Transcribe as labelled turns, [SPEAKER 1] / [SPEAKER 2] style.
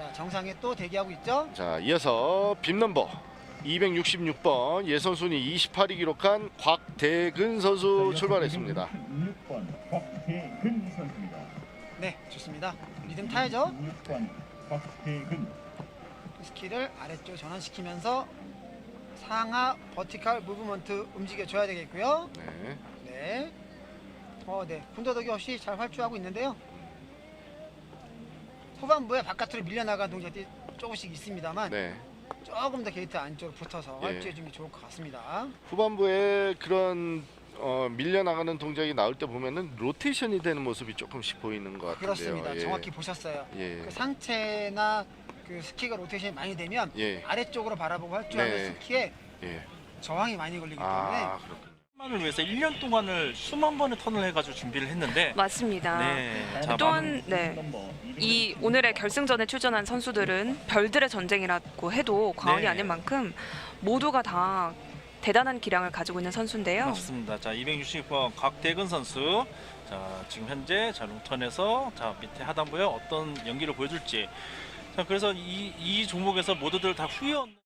[SPEAKER 1] 자, 정상에 또 대기하고 있죠.
[SPEAKER 2] 자, 이어서 빔 넘버 266번 예선순위 28위 기록한 곽대근 선수 출발했습니다.
[SPEAKER 3] 16번 곽대근 선수입니다.
[SPEAKER 1] 네, 좋습니다. 리듬 타야죠.
[SPEAKER 3] 16번 곽대근.
[SPEAKER 1] 스키를 아래쪽 전환시키면서 상하 버티컬 무브먼트 움직여줘야 되겠고요.
[SPEAKER 2] 네.
[SPEAKER 1] 네. 네. 군더더기 없이 잘 활주하고 있는데요. 후반부에 바깥으로 밀려나간 동작이 조금씩 있습니다만
[SPEAKER 2] 네.
[SPEAKER 1] 조금 더 게이트 안쪽으로 붙어서
[SPEAKER 2] 예.
[SPEAKER 1] 활주해주는 게 좋을 것 같습니다.
[SPEAKER 2] 후반부에 그런 밀려나가는 동작이 나올 때 보면은 로테이션이 되는 모습이 조금씩 보이는 것 같은데요.
[SPEAKER 1] 그렇습니다.
[SPEAKER 2] 예.
[SPEAKER 1] 정확히 보셨어요.
[SPEAKER 2] 예.
[SPEAKER 1] 그 상체나 그 스키가 로테이션이 많이 되면
[SPEAKER 2] 예.
[SPEAKER 1] 아래쪽으로 바라보고 활주하는
[SPEAKER 2] 네.
[SPEAKER 1] 스키에
[SPEAKER 2] 예.
[SPEAKER 1] 저항이 많이 걸리기 때문에
[SPEAKER 2] 아, 그렇군요.
[SPEAKER 4] 을 위해서 1년 동안을 수만 번의 턴을 해가지고 준비를 했는데
[SPEAKER 5] 맞습니다.
[SPEAKER 4] 네, 자,
[SPEAKER 5] 또한 이 오늘의 결승전에 출전한 선수들은 별들의 전쟁이라고 해도 과언이
[SPEAKER 4] 네.
[SPEAKER 5] 아닌 만큼 모두가 다 대단한 기량을 가지고 있는 선수인데요.
[SPEAKER 4] 맞습니다. 자, 266번 곽대근 선수. 자, 지금 현재 자 롱턴에서 자 밑에 하단부에 어떤 연기를 보여줄지. 자, 그래서 이 종목에서 모두들 다 후회 없는